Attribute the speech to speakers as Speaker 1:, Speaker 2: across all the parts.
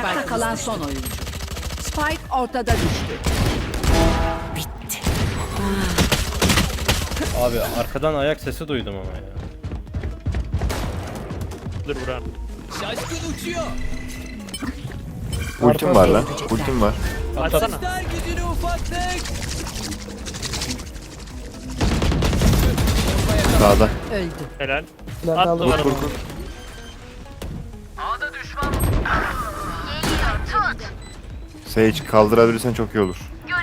Speaker 1: Ayakta kalan son oyuncu. Spike ortada düştü. Bitti.
Speaker 2: Abi arkadan ayak sesi duydum ama ya.
Speaker 3: Dur Burak.
Speaker 4: Şaşkın uçuyor.
Speaker 5: Ultim var lan. Ultim var.
Speaker 3: Açsana.
Speaker 4: Der gücünü ufaklık.
Speaker 5: Sağda.
Speaker 1: Öldü.
Speaker 3: Helal.
Speaker 6: Lan
Speaker 3: At
Speaker 6: aldım.
Speaker 3: duvara.
Speaker 5: Sage kaldırabilirsen çok iyi olur.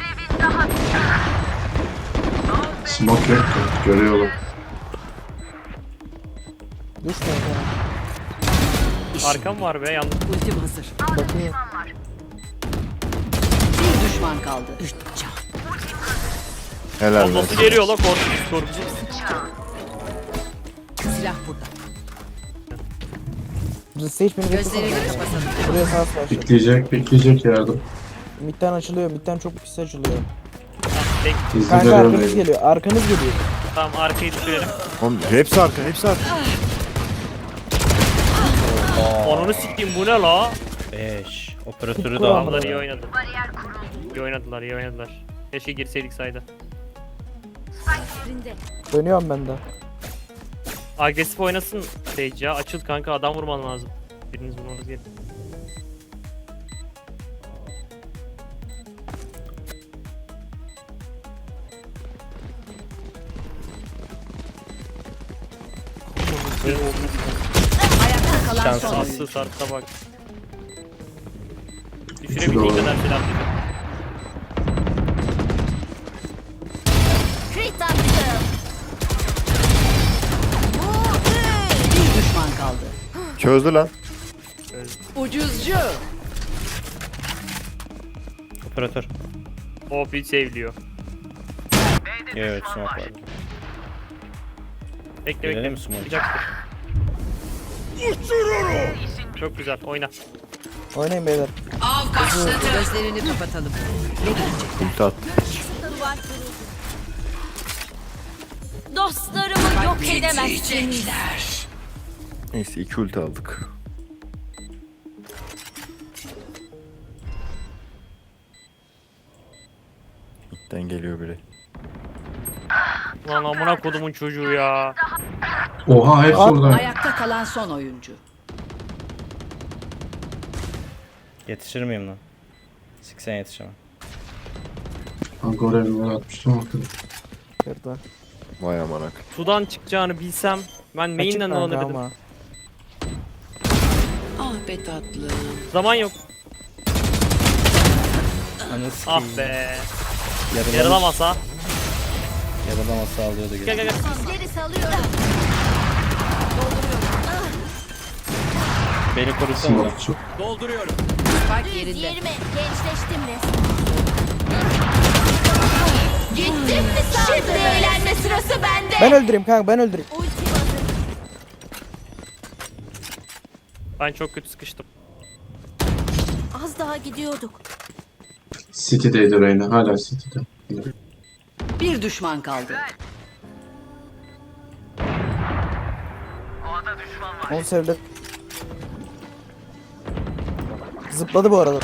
Speaker 7: Smoke yok ki. Görüyorum.
Speaker 6: Düşme ya.
Speaker 3: Arkam var be yalnız.
Speaker 1: Ultim hazır.
Speaker 6: Bakayım.
Speaker 1: Bir düşman kaldı. Üç can.
Speaker 5: Helal be.
Speaker 3: Bombası geliyor la korkucu.
Speaker 1: Silah burada.
Speaker 6: Sage beni
Speaker 1: Gözlerini
Speaker 6: beklesene.
Speaker 1: kapatalım.
Speaker 6: Buraya sağ başladı.
Speaker 7: Bekleyecek yardım.
Speaker 6: Midden açılıyor. Midden çok pis açılıyor.
Speaker 3: Tek.
Speaker 7: Hızlı
Speaker 6: Kanka
Speaker 7: devam
Speaker 6: arkanız
Speaker 7: edin.
Speaker 6: geliyor. Arkanız geliyor.
Speaker 3: Tamam arkayı düşürelim.
Speaker 5: Oğlum hepsi arka, hepsi arka.
Speaker 3: Onunu sikeyim bu ne la?
Speaker 2: 5. Operatörü
Speaker 6: Tutku
Speaker 2: da
Speaker 6: ama.
Speaker 3: Adamlar
Speaker 2: aldı.
Speaker 3: iyi oynadı. İyi oynadılar, iyi oynadılar. Keşke girseydik sayda.
Speaker 6: Dönüyorum ben de.
Speaker 3: Agresif oynasın Sage ya. Açıl kanka, adam vurman lazım. Biriniz vurmanız gerek.
Speaker 1: Ayakta kalan son
Speaker 2: Şanslı.
Speaker 1: oyuncu.
Speaker 3: Aslı sarsa bak.
Speaker 7: Üçü
Speaker 3: Düşürebildiği
Speaker 7: doğru.
Speaker 3: kadar silah.
Speaker 1: Bir düşman kaldı.
Speaker 5: Çözdü lan.
Speaker 1: Ucuzcu.
Speaker 2: Operatör.
Speaker 3: OP seviliyor.
Speaker 2: Evet smoke vardı.
Speaker 3: Bekle
Speaker 2: Gelelim
Speaker 3: bekle.
Speaker 2: mi smoke?
Speaker 3: Çıkacaktır. Çok güzel oyna.
Speaker 6: Oynayın beyler.
Speaker 1: Av başladı. Gözlerini kapatalım. Ne görecek?
Speaker 5: Ulti at.
Speaker 8: Dostlarımı yok edemezsiniz.
Speaker 5: Neyse 2 ulti aldık. Midden geliyor biri.
Speaker 3: Lan amına kodumun çocuğu ya.
Speaker 7: Oha hepsi orada.
Speaker 1: Ayakta kalan son oyuncu.
Speaker 2: Yetişir miyim lan? 80 yetişemem.
Speaker 7: Kanka oraya bir gol atmıştım ortada.
Speaker 6: Kırdı.
Speaker 5: Vay amanak.
Speaker 3: Sudan çıkacağını bilsem ben
Speaker 6: Açık
Speaker 3: main'den
Speaker 6: kanka
Speaker 3: alabilirim.
Speaker 6: ama.
Speaker 1: Ah be tatlım.
Speaker 3: Zaman yok.
Speaker 2: Anı
Speaker 3: Ah
Speaker 2: sikeyim.
Speaker 3: be.
Speaker 2: Yaralamış.
Speaker 3: Yaralamasa.
Speaker 2: Yaralamasa alıyordu
Speaker 3: Gel
Speaker 2: geri.
Speaker 3: gel gel.
Speaker 8: Sizleri salıyorum.
Speaker 2: Beni korusana lan.
Speaker 7: Smoke çok.
Speaker 4: Dolduruyorum.
Speaker 1: Spike
Speaker 8: Düz
Speaker 1: yerinde.
Speaker 8: yerime gençleştim resmen. Gittim mi sandın? Şimdi eğlenme sırası bende.
Speaker 6: Ben öldüreyim kanka ben öldüreyim.
Speaker 8: Ultim hazır.
Speaker 3: Ben çok kötü sıkıştım.
Speaker 8: Az daha gidiyorduk.
Speaker 7: City'deydi Reyna. Hala City'de.
Speaker 1: Bir düşman kaldı.
Speaker 6: 10 sevdi. Zıpladı bu arada.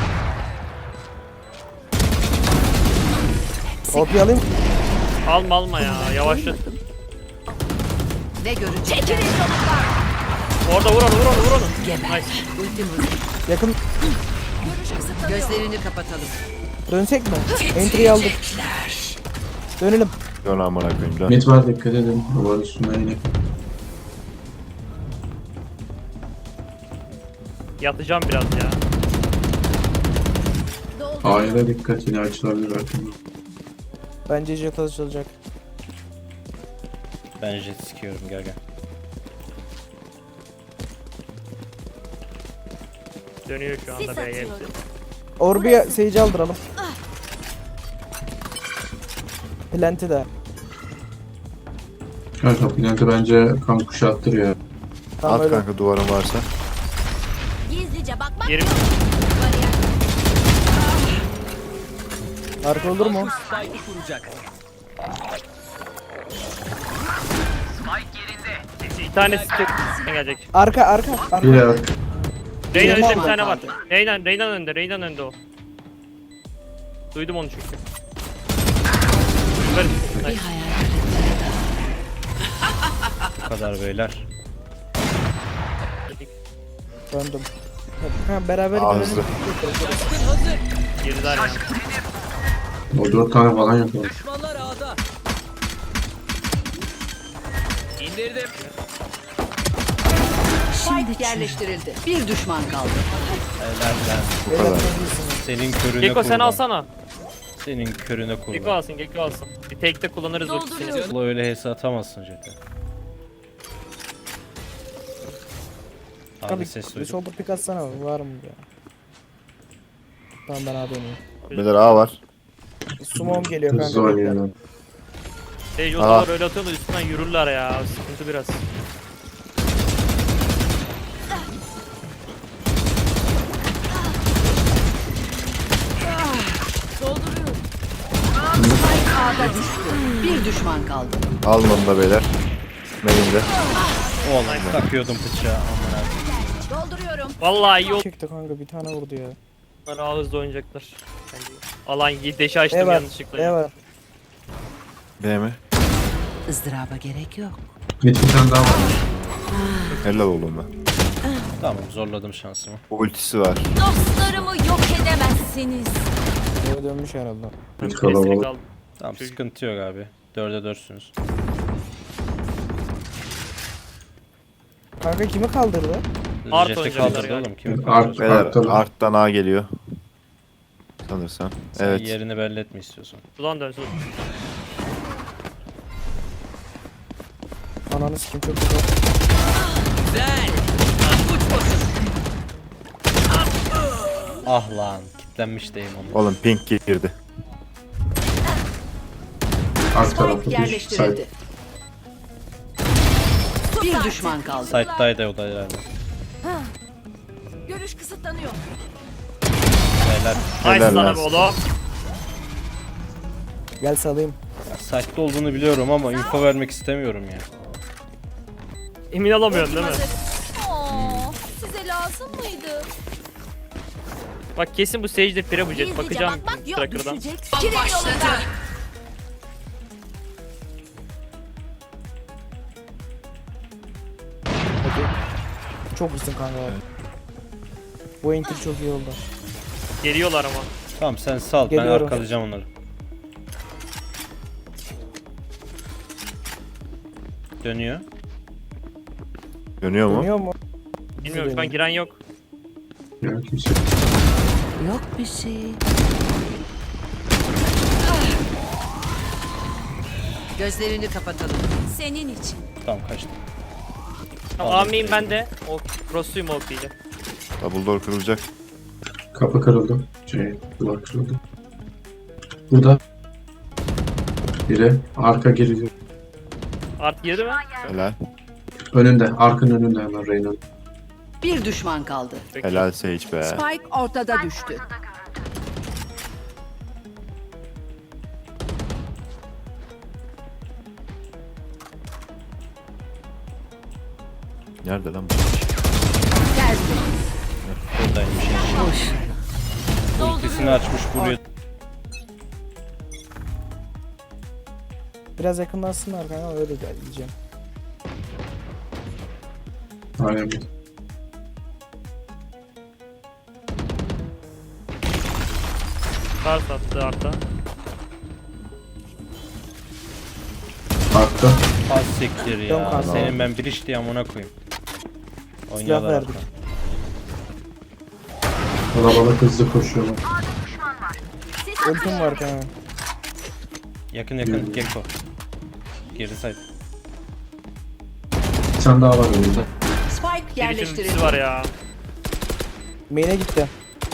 Speaker 6: OP alayım.
Speaker 3: Alma alma ya, yavaşla.
Speaker 1: Ne görecek?
Speaker 8: Çekilin yolumdan.
Speaker 3: Orada vur onu vur onu vur onu.
Speaker 1: Geber.
Speaker 3: Nice.
Speaker 1: Ultim hazır.
Speaker 6: Yakın.
Speaker 8: Görüş kısıtlanıyor.
Speaker 1: Gözlerini kapatalım.
Speaker 6: Dönsek mi? Entry'yi aldık. Dönelim.
Speaker 5: Dön amına koyayım dön.
Speaker 7: Mid var dikkat edin. Duvar üstünden yine.
Speaker 3: Yatacağım biraz ya.
Speaker 7: A'ya dikkat yine açılabilir arkamda.
Speaker 6: Bence jet açılacak.
Speaker 2: Ben jet sikiyorum gel gel.
Speaker 3: Dönüyor şu
Speaker 8: Sis
Speaker 3: anda B'ye hepsi.
Speaker 8: atıyorum.
Speaker 6: Orbi'ye Sage'i aldıralım. Plant'i de.
Speaker 7: Kanka Plant'i bence kan kuşattırıyor.
Speaker 6: Tamam
Speaker 5: At
Speaker 6: öyle.
Speaker 5: kanka duvarın varsa.
Speaker 8: Gizlice bakmak.
Speaker 3: Yerim.
Speaker 6: Arka olur mu?
Speaker 4: Spike'ı kuracak.
Speaker 3: Bir tanesi tek gelecek.
Speaker 6: Arka arka.
Speaker 7: Bir
Speaker 6: Arka.
Speaker 7: arka.
Speaker 3: Reyna önünde bir
Speaker 1: düşman
Speaker 3: tane var.
Speaker 1: kaldı.
Speaker 3: Reyna'nın önünde o. Duydum onu çünkü. Süper. Nice.
Speaker 2: Bu kadar beyler.
Speaker 6: Döndüm. Ha, beraber
Speaker 5: Ağızlı.
Speaker 6: gidelim.
Speaker 4: Şaşkın hazır.
Speaker 3: Girdiler ya.
Speaker 7: O 4 tane falan yapıyor.
Speaker 4: Düşmanlar ağda. İndirdim.
Speaker 1: Spike yerleştirildi. Bir düşman kaldı.
Speaker 2: Helal lan.
Speaker 6: Beyler çok iyisiniz.
Speaker 2: Senin körüne
Speaker 3: Gekko sen
Speaker 2: kurban.
Speaker 3: alsana.
Speaker 2: Senin körüne
Speaker 3: Gekko
Speaker 2: kurban.
Speaker 3: alsın, Gekko alsın. Bir tekte kullanırız ultisini.
Speaker 2: Ulan öyle HS atamazsın Jet'e. Abi
Speaker 6: Abi
Speaker 2: ses
Speaker 6: bir
Speaker 2: duydum.
Speaker 6: solda pik atsana var mı ya? Tamam ben abi oynayayım.
Speaker 5: Beyler A var.
Speaker 6: Sumom geliyor
Speaker 7: Hızlı
Speaker 6: kanka.
Speaker 7: oynuyor.
Speaker 3: Sage
Speaker 5: Aa.
Speaker 3: odalar öyle atıyor da üstünden yürürler ya. Sıkıntı biraz.
Speaker 1: Spike A'da düştü. Bir düşman kaldı.
Speaker 5: Alın onu da beyler. Main'de.
Speaker 2: Oğlum takıyordum bıçağı amına.
Speaker 1: Dolduruyorum.
Speaker 3: Vallahi iyi oldu.
Speaker 6: Çekti kanka bir tane vurdu ya.
Speaker 3: Onlar daha hızlı oynayacaklar. Bence. Alan deşi açtım
Speaker 6: E var.
Speaker 3: yanlışlıkla.
Speaker 6: E var.
Speaker 5: B mi?
Speaker 1: Izdıraba gerek yok.
Speaker 7: Bir tane daha var.
Speaker 5: Helal oğlum ben.
Speaker 2: Tamam zorladım şansımı.
Speaker 5: Ultisi var.
Speaker 8: Dostlarımı yok edemezsiniz.
Speaker 6: Böyle dönmüş herhalde.
Speaker 7: Bir
Speaker 3: Kestirip
Speaker 7: kalabalık.
Speaker 3: aldım.
Speaker 2: Tamam
Speaker 3: Çocuk.
Speaker 2: sıkıntı yok abi. 4'e 4'süz.
Speaker 6: Kanka kimi kaldırdı?
Speaker 3: Art
Speaker 2: Jet'i
Speaker 3: oynayacaklar
Speaker 2: kaldırdı
Speaker 3: yani.
Speaker 2: oğlum. Kimi
Speaker 7: Art-
Speaker 2: kaldırdı?
Speaker 5: Beyler
Speaker 7: Arttan.
Speaker 5: arttan A geliyor. Sanırsam.
Speaker 2: Sen
Speaker 5: Evet.
Speaker 2: yerini belli etme istiyorsan.
Speaker 3: Ulan dönsün.
Speaker 6: Ananı sikim çok güzel.
Speaker 4: Güzel. Uç bakın.
Speaker 2: Ah lan kitlenmiş deyim onu.
Speaker 5: Oğlum pink girdi.
Speaker 7: Ark tarafı
Speaker 1: Spike
Speaker 7: bir
Speaker 1: yerleştirildi.
Speaker 7: site.
Speaker 1: Bir düşman kaldı.
Speaker 2: Side'daydı o da herhalde.
Speaker 8: Görüş kısıtlanıyor.
Speaker 2: Beyler.
Speaker 3: Nice
Speaker 5: Helal
Speaker 3: sana
Speaker 5: lan.
Speaker 3: be oğlum.
Speaker 6: Gel salayım.
Speaker 2: Side'da olduğunu biliyorum ama info vermek istemiyorum ya.
Speaker 3: Emin olamıyorum değil mi?
Speaker 8: Size lazım mıydı?
Speaker 3: Bak kesin bu Sage'de pire bu jet.
Speaker 8: Gizlice
Speaker 3: Bakacağım
Speaker 8: bakmak yok,
Speaker 3: Tracker'dan.
Speaker 8: düşecek. Kirin yolunda.
Speaker 6: Çok iyisin kanka. Bu enter çok iyi oldu.
Speaker 3: Geliyorlar ama.
Speaker 2: Tamam sen sal
Speaker 6: Geliyorum.
Speaker 2: ben arkalayacağım onları. Dönüyor.
Speaker 5: Dönüyor mu?
Speaker 6: Dönüyor mu?
Speaker 3: Bilmiyorum şu an giren yok.
Speaker 7: Yani kimse.
Speaker 1: Yok bir şey. Gözlerini kapatalım.
Speaker 8: Senin için.
Speaker 2: Tamam kaçtım.
Speaker 3: Tamam amiyim ben de. O crossluyum OP ile.
Speaker 5: Double door kırılacak.
Speaker 7: Kapı kırıldı. Duvar kırıldı. Burada. Biri. Arka giriyor.
Speaker 3: Art girdi mi?
Speaker 5: Helal.
Speaker 7: Önünde. Arkın önünde hemen Reyna.
Speaker 1: Bir düşman kaldı.
Speaker 3: Peki.
Speaker 5: Helal Sage be.
Speaker 1: Spike ortada düştü.
Speaker 5: Nerede lan bu?
Speaker 1: Tertemiz.
Speaker 2: Buradaymış. Ultisini açmış buraya.
Speaker 6: Biraz yakınlaşsınlar kanka öyle diyeceğim.
Speaker 7: Aynen.
Speaker 3: Kar sattı Art'a.
Speaker 7: Arkta.
Speaker 2: Az siktir
Speaker 6: Yok
Speaker 2: ya.
Speaker 6: abi.
Speaker 2: Senin ben bir iş diye amına koyayım.
Speaker 6: Silah
Speaker 2: Oynuyorlar
Speaker 6: verdik.
Speaker 2: arkadan.
Speaker 7: Kalabalık hızlı koşuyorlar.
Speaker 6: Ultim var kanka.
Speaker 2: Yakın yakın Gekko. Geri side.
Speaker 7: Bir tane daha var önünde.
Speaker 1: Spike
Speaker 3: Bir biçim
Speaker 1: yerleştirildi.
Speaker 3: ultisi var ya.
Speaker 6: Main'e gitti.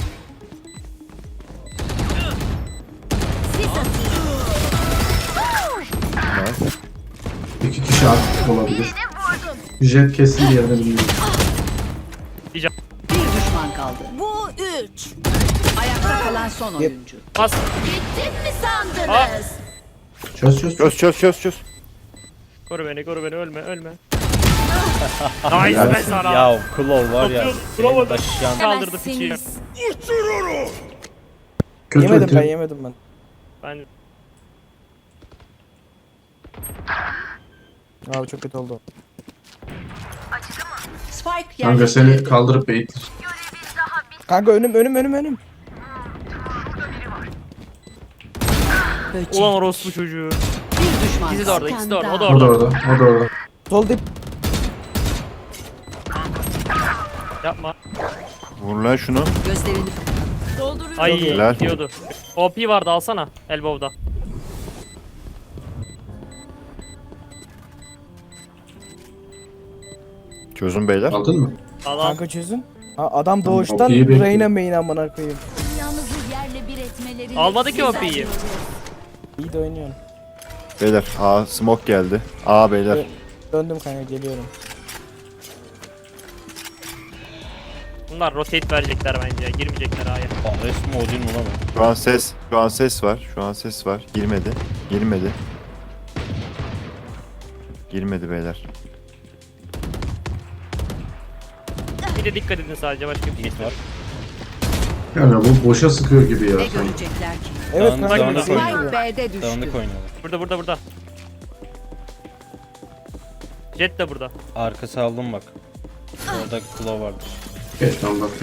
Speaker 5: Nice.
Speaker 7: 2 kişi artık olabilir. Jet kesin bir yerden bilmiyorum.
Speaker 1: Bir düşman kaldı.
Speaker 8: Bu 3.
Speaker 1: Ayakta kalan son oyuncu.
Speaker 3: Bas.
Speaker 8: Gittim mi sandınız?
Speaker 7: Çöz çöz çöz.
Speaker 5: Çöz çöz çöz çöz.
Speaker 3: Koru beni ölme ölme. Nice be sana.
Speaker 2: Ya Claw var ya.
Speaker 3: Claw
Speaker 2: senin taşıyan-
Speaker 3: Kaldırdı piçi.
Speaker 7: Kötü
Speaker 6: Yemedim
Speaker 7: ulti.
Speaker 6: ben yemedim ben.
Speaker 3: Ben
Speaker 6: Abi çok kötü oldu.
Speaker 1: Spike
Speaker 7: Kanka seni
Speaker 1: yerleştirildi.
Speaker 7: kaldırıp bait.
Speaker 6: Kanka önüm.
Speaker 1: Böcek.
Speaker 3: ulan orospu çocuğu.
Speaker 1: Bir düşman
Speaker 3: İkisi de
Speaker 1: kaldı.
Speaker 3: orada, ikisi de orada. O da
Speaker 7: O da
Speaker 3: orada.
Speaker 7: orada. O da orada.
Speaker 6: Sol dip.
Speaker 3: Yapma.
Speaker 5: Vur lan şunu.
Speaker 1: Gözlerini
Speaker 3: Ay
Speaker 5: Helal.
Speaker 3: diyordu. OP vardı alsana. Elbow'da.
Speaker 5: Çözün beyler.
Speaker 7: Aldın mı?
Speaker 3: Al al.
Speaker 6: Kanka çözün. Ha, adam
Speaker 7: Tamam,
Speaker 6: doğuştan
Speaker 7: OP'yi bekliyor.
Speaker 6: Reyna main amına koyayım.
Speaker 8: Dünyamızı yerle bir etmeleri.
Speaker 3: Almadı ki OP'yi.
Speaker 6: İyi de oynuyorsun.
Speaker 5: Beyler A smoke geldi. A beyler.
Speaker 6: Döndüm kanka geliyorum.
Speaker 3: Bunlar rotate verecekler bence. Girmeyecekler A'ya.
Speaker 2: Ares mi Odin mi lan o?
Speaker 5: Şu an ses var. Girmedi beyler.
Speaker 3: Bir de dikkat edin sadece başka bir şey
Speaker 2: Mid var.
Speaker 7: Yani bu boşa sıkıyor gibi ya.
Speaker 1: ne
Speaker 7: sanki.
Speaker 1: görecekler ki?
Speaker 6: Evet
Speaker 2: Dağınık-
Speaker 6: kanka.
Speaker 2: dağınık
Speaker 6: şey
Speaker 2: oynuyor.
Speaker 6: gibi.
Speaker 1: Spike B'de düştü.
Speaker 2: Dağınık oynuyorlar.
Speaker 3: Burada. Jet de burada.
Speaker 2: Arkası aldım bak. Orada Claw vardı.
Speaker 7: Geç tamam bak.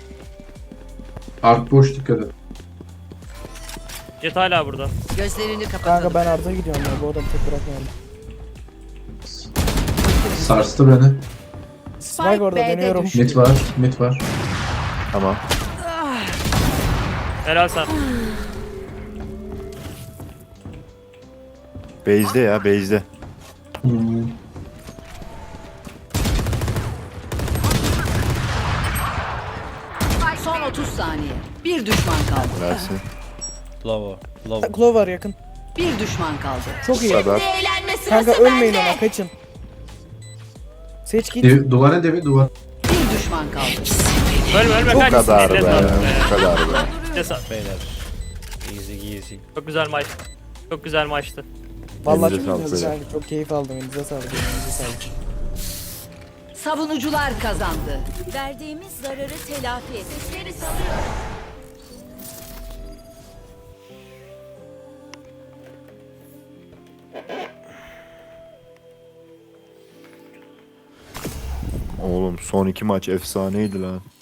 Speaker 7: Ark boş dikkat et.
Speaker 3: Jet hala burada.
Speaker 1: Gözlerini
Speaker 6: Kanka
Speaker 1: kapatalım.
Speaker 6: ben Arda'ya gidiyorum ya. Bu adamı tek bırakmayalım.
Speaker 7: Sarstı beni.
Speaker 6: Spike orada
Speaker 1: B'de
Speaker 6: dönüyorum.
Speaker 1: düştü.
Speaker 7: Mid var.
Speaker 5: Tamam.
Speaker 3: Helal sen.
Speaker 5: Base'de ya base'de.
Speaker 7: Hmm.
Speaker 1: Son 30 saniye. Bir düşman kaldı.
Speaker 5: Versin.
Speaker 2: Claw o. Claw.
Speaker 6: Claw var yakın.
Speaker 1: Bir düşman kaldı.
Speaker 6: Çok iyi.
Speaker 5: Bu kadar.
Speaker 8: Eğlenme sırası
Speaker 6: Kanka ölmeyin
Speaker 8: bende.
Speaker 6: ona kaçın. Seç git.
Speaker 7: Duvara devi duvar.
Speaker 1: Bir düşman kaldı.
Speaker 3: Ölme
Speaker 5: Bu
Speaker 3: kaç.
Speaker 5: kadar be.
Speaker 3: Eline sağlık.
Speaker 5: Bu kadar be.
Speaker 3: Eline sağlık.
Speaker 2: Beyler. Easy.
Speaker 3: Çok güzel maç. Çok güzel maçtı.
Speaker 6: Vallahi
Speaker 5: Elinize
Speaker 6: çok
Speaker 5: sağlık
Speaker 6: iyisiniz
Speaker 5: beyler.
Speaker 6: kanka. Çok keyif aldım. Elinize sağlık. Elinize sağlık.
Speaker 1: Savunucular kazandı.
Speaker 8: Verdiğimiz zararı telafi et. Sesleri salıyor.
Speaker 5: Oğlum son 2 maç efsaneydi lan.